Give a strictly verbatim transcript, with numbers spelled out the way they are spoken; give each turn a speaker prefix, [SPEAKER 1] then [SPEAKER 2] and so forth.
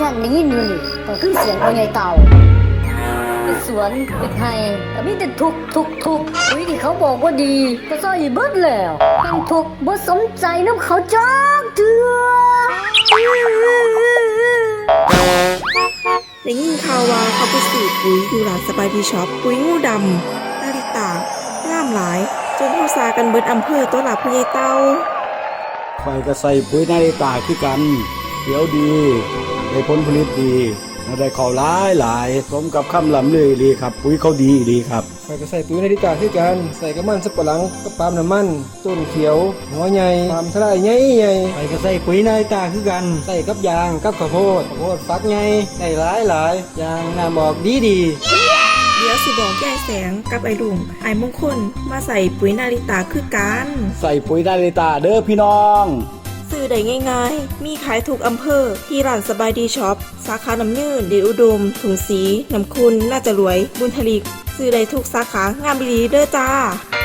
[SPEAKER 1] ฉันได้ยินอยู่นี่ก็คือเสียงพ่อใหญ่เต่าเป็นสวนเป็นไห้แต่มีแต่ทุกทุกทุกอุ้ยที่เขาบอกว่าดีก็ซอยเบิดแล้วแห่งทุกบ่สมใจน้ำเขาจักเถื่อ
[SPEAKER 2] ได้ยินข่าวว่าเขาไปซื้อปุ๋ยอยู่ร้านสบายดีช็อปปุ๋ยงูดำนาริตางามหลายจนเขาซากันเบิดอำเภอตัวหลับพญายเต้า
[SPEAKER 3] ข่อยก็ใส่ปุ๋ยนาฬิตาคือกันเดี๋ยวดีได้ผลผลิตดีได้ข้าวหลายหลายสมกับคำลำเลยดีครับปุ๋ยเขาดีดีครับ
[SPEAKER 4] ข่อยก็ใส่ปุ๋ยนาฬิกาคือกันใส่กระมันสับปะหลังกับปาล์มน้ำมันต้นเขียวหัวใหญ่ปาล์มทลายใหญ่ใหญ่ข่อยก็ใส่ปุ๋ยนาฬิกาคือกันใส่กับยางกับข้าวโพดข้าวโพดฟักใหญ่ได้หลายหลายยางน้ำออกดีดี
[SPEAKER 2] เดี๋ยวสิบอกยายแสงกับไอ้ลุงไอ้มงคลมาใส่ปุ๋ยนาริตาคือกัน
[SPEAKER 3] ใส่ปุ๋ยนาฬิตาเด้อพี่น้อง
[SPEAKER 2] ซื้อได้ง่ายๆมีขายทุกอำเภอที่ร้านสบายดีช็อปสาขาน้ำยืนเดชอุดมถุงสีน้ำคุณน่าจะรวยบุญทลิกซื้อได้ทุกสาขางามดีเด้อจ้า